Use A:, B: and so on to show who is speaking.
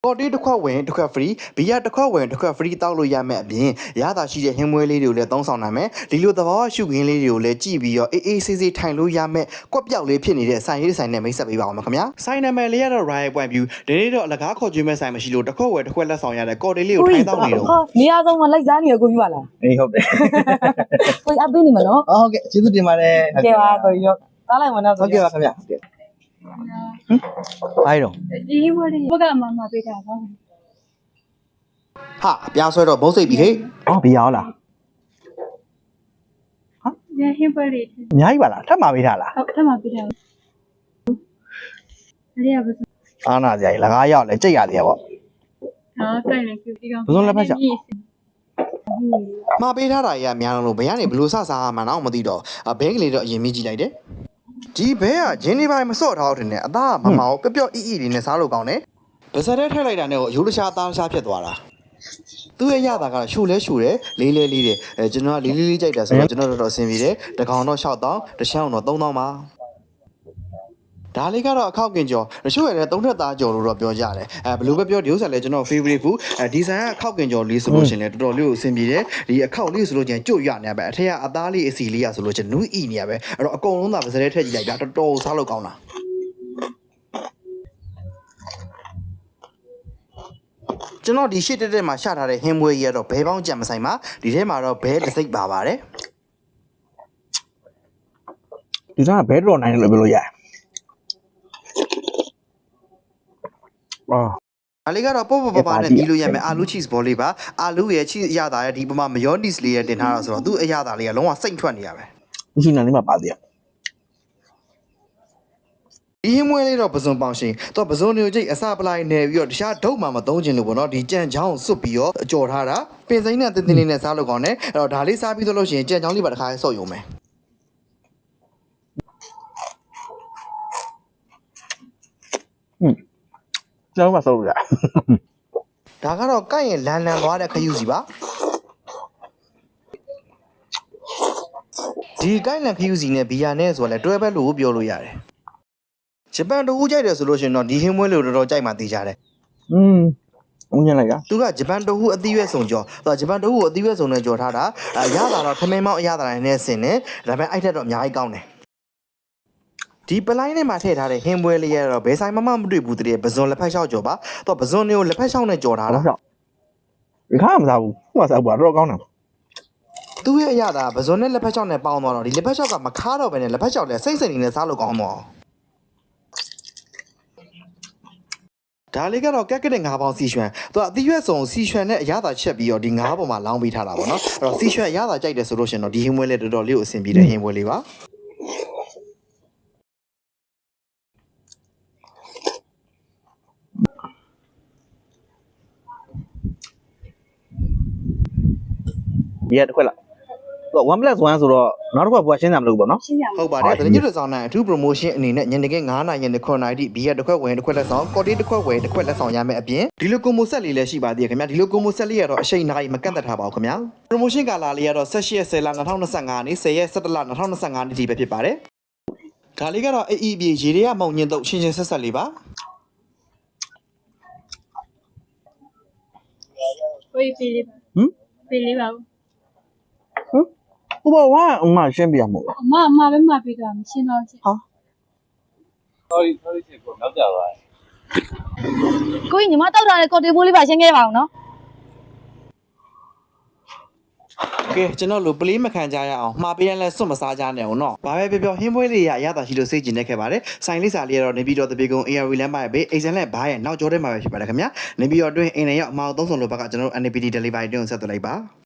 A: ကော်တီတစ်ခွက်ဝင်တစ်ခွက် free ဘီယာတစ်ခွက်ဝင်တစ်ခွက် free တောက်လို့ရမယ်အပြင်ရတာရှိတဲ့ဟင်းမွေးလေးတွေကိုလည်းသုံးဆောင်နိုင်မယ်ဒီလိုသဘောရှုခင်းလေးတွေကိုလည်းကြည့်ပြီးတော့အေးဆေးဆေးထိုင်လို့ရမယ်ကွက်ပြောက်လေးဖြစ်နေတဲ့ဆိုင်ရေးဆိုင်နဲ့မိတ်ဆက်ပေးပါအောင်ခင်ဗျာဆိုင်နာမည်လေးကတော့ Royal Point View ဒီနေ့တော့အလကားခေါ်ကျွေးမဲ့ဆိုင်မရှိလို့တစ်ခွက်ဝယ်တစ်ခွက်လက်ဆောင်ရတဲ့ကော်တီလေးကိုထိုင်တောက်နေတော့
B: နေရာဆုံးမှာလိုက်စားနေရကိုကြီးပါလား
C: အေးဟုတ်တယ်
B: ကိုကြီးအပေးနေမနော်
C: ဟုတ်ကဲ့ကျေးဇူးတင်ပါတယ်
B: ဟုတ်ကဲ့ပါကိုကြီးရောသားလိုက်မနော်
C: ဟုတ်ကဲ့ပါခင်ဗျာဟုတ်ကဲ့အားတော့
D: ဒီဝရီဘကမပေးတာပါ
A: ဟာပြားဆွဲတော့ဘုံစိတ်ပြီဟေ့
C: အော်ဘီယာဟုတ်လား
D: ဟာညဟင်းပွဲလေး
C: အများကြီးပါလားထပ်မှာပေးထားလား
D: ဟုတ်ထပ်မှာပေးထားအဲ့ဒီကဘယ်
C: အားနာစရာကြီးလကားရောက်လဲကြိတ်ရသေးရပေါ့
D: ဟာကြိုက်တယ်ဒီကောင်
C: ဘယ်လိုလက်ဖက်ချ
A: မှာပေးထားတာကြီးကများလို့ဘယ်ကနေဘလို့စစားမှန်းတော့မသိတော့ဘဲကလေးတော့အရင်မြည်ကြည့်လိုက်တယ်ဒီဘဲကဂျင်းဒီပိုင်းမစော့ထားတော့တယ်အသားကမမောင်ပျော့ပျော့အီလေးနဲ့စားလို့ကောင်းတယ်ဗစက်ထဲထည့်လိုက်တာနဲ့ကိုရိုးတခြားသားတခြားဖြစ်သွားတာသူ့ရဲ့ရတာကတော့ရှူလဲရှူတယ်လေးလေးလေးတယ်ကျွန်တော်ကလေးလေးလေးကြိုက်တယ်ဆိုတော့ကျွန်တော်တော်အဆင်ပြေတယ်တကောင်တော့6000တချောင်းတော့3000ပါဒါလေးကတော့အခောက်ကင်ကျော်တချို့ရဲ့သုံးထက်သားကျော်လို့တော့ပြောကြတယ်ဘယ်လိုပဲပြောဒီဥစ္စာလဲကျွန်တော် favorite food ဒီဇိုင်းကအခောက်ကင်ကျော်လေးဆိုလို့ရှင်လဲတော်တော်လေးကိုအဆင်ပြေတယ်ဒီအခောက်လေးဆိုလို့ချင်းကြွရနေပဲအထက်ကအသားလေးအစီလေးရဆိုလို့ချင်းနူးအီနေရပဲအဲ့တော့အကုန်လုံးသာပါစတဲ့ထက်ကြည့်လိုက်ဗျာတော်တော်စားလို့ကောင်းတာကျွန်တော်ဒီရှစ်တက်မှာရှာထားတဲ့ဟင်းမွေးကြီးကတော့ဘဲပေါင်းကြံမဆိုင်ပါဒီထဲမှာတော့ဘဲတစ်စိတ်ပါပါတယ်
C: ဒီကဘဲတော်နိုင်လို့ပြောလို့ရတယ်
A: ဒါလေးကတော့ပေါ့ပေါ့ပါနဲ့မြည်လို့ရမယ်အာလူ cheese ball လေးပါအာလူရဲ့ cheese အရသာရဲ့ဒီပမာ mayonnaise လေးရဲ့တင်ထားတာဆိုတော့သူ့အရသာလေးကလုံးဝစိတ်ထွက်နေရပဲ
C: မရှိနိုင်လေးမှာပါသေးရ
A: ဒီဟင်းမွေးလေးတော့ပစုံပေါင်ရှင်တော့ပစုံမျိုးချိတ်အစပလိုက်နေပြီးတော့တခြားဒုတ်မှမသုံးချင်လို့ပေါ့နော်ဒီကြံချောင်းစွတ်ပြီးတော့အကြော်ထားတာပင်စိမ့်နဲ့တင်းတင်းလေးနဲ့စားလို့ကောင်းတယ်အဲ့တော့ဒါလေးစားပြီးတော့လို့ရှိရင်ကြံချောင်းလေးပါတစ်ခါဆော့ရုံပဲ
C: ကျောင်းမှာစိုးရ
A: ဒါကတော့ကိုက်ရင်လန်သွားတဲ့ခရုစီပါဒီကိုက်လန်ခရုစီနဲ့ဘီယာနဲ့ဆိုတော့လဲတွဲပဲလို့ပြောလို့ရတယ်ဂျပန်တူဦးကြိုက်တယ်ဆိုလို့ရှိရင်တော့ဒီဟင်းမွေးလို့တော်တော်ကြိုက်မှသိကြတယ်
C: ဦးညံ့လိုက်တာ
A: သူကဂျပန်တူဦးအသီးရွက်စုံကြောသူကဂျပန်တူဦးကိုအသီးရွက်စုံနဲ့ကြော်ထားတာရတာတော့ထမင်းမောင်းအရသာတိုင်းနဲ့ဆင်တယ်ဒါပေမဲ့အဲ့ထက်တော့အများကြီးကောင်းတယ်ဒီပလိုင်းထဲမှာထည့်ထားတဲ့ဟင်းပွဲလေးရတော့ဘယ်ဆိုင်မှမတွေ့ဘူးတည်းပဇွန်လက်ဖက်လျှောက်ကြော်ပါတော့ပဇွန်တွေကိုလက်ဖက်လျှောက်နဲ့ကြော်ထားတာ
C: ဒီခါမစားဘူးဟိုကစားဘူးတော့ကောင်းတယ်
A: သူ့ရဲ့အရသာပဇွန်နဲ့လက်ဖက်လျှောက်နဲ့ပေါင်းသွားတော့ဒီလက်ဖက်လျှောက်ကမခါတော့ပဲနဲ့လက်ဖက်လျှောက်လည်းစိတ်စိတ်နေနဲ့စားလို့ကောင်းတော့ဒါလေးကတော့ကက်ကတဲ့ငါးပေါင်းစီရွှံသူကအသီးရွက်စုံစီရွှံနဲ့အရသာချက်ပြီးတော့ဒီငါးပေါ်မှာလောင်းပေးထားတာပေါ့နော်အဲ့တော့စီရွှံအရသာကြိုက်တယ်ဆိုလို့ရှင်တော့ဒီဟင်းပွဲလေးတော်တော်လေးကိုအဆင်ပြေတဲ့ဟင်းပွဲလေးပါ
C: ဒီတစ်ခွက်လား1 + 1ဆိုတော့နောက်တစ်ခွက်ဘွားရှင်းစရာမလိုဘူးပေါ့နော်
A: ဟုတ်ပါတယ်တကယ်လို့ဆောင်နိုင်အထူး promotion အနေနဲ့ညနေခင်း9:00နာရီနဲ့9:00နာရီဘီယာတစ်ခွက်ဝင်တစ်ခွက်လက်ဆောင်ကော်တီတစ်ခွက်ဝင်တစ်ခွက်လက်ဆောင်ရမယ်အပြင်ဒီလို combo set လေးလည်းရှိပါသေးတယ်ခင်ဗျာဒီလို combo set လေးကတော့အချိန်နာရီမကန့်သက်ထားပါဘူးခင်ဗျာ promotion ကာလာလေးကတော့18 10လ2025နေ့10ရက်17လ2025နေ့ဒီပဲဖြစ်ပါတယ်ဒါလေးကတော့အေးပြေရေတွေကမောင်ညင်းတော့ရှင်းရှင်းဆက်ဆက်လေးပါ
D: ကိုကြီးပေးလေးပါပေးလေးပါ
C: ဟိုဘဝအမရှင်းပြရမို့
D: အမပဲမပေးတာမရှင်းတော့ရှင်း
C: ဟာ
E: sorry ချစ်ကိုနောက်ကြပါ
B: ကိုကြီးညီမတောက်ထားတဲ့ကော်တီဘိုးလေးပါရှင်းခဲ့ပါအောင်နော်
A: ကဲကျွန်တော်တို့ပလေးမခံကြရအောင်မှားပေးရင်လည်းစွတ်မစားကြနဲ့အောင်နော်ဘာပဲပြောဟင်းပွဲလေးရရတာရှိလို့စိတ်ကျင်နေခဲ့ပါတယ်ဆိုင်လေးစာလေးကတော့နေပြီးတော့တပေကုံ ARV လမ်းပါရဲ့ဘေးအိမ်ဆန်လက်ဘားရဲ့နောက်ကျောထဲမှာပဲဖြစ်ပါတယ်ခင်ဗျာနေပြီးတော့တွင်းအိမ်နဲ့ရောက်အမောက်သုံးဆောင်လို့ဘက်ကကျွန်တော်တို့ NPD delivery တွင်းကိုဆက်သွယ်လိုက်ပါ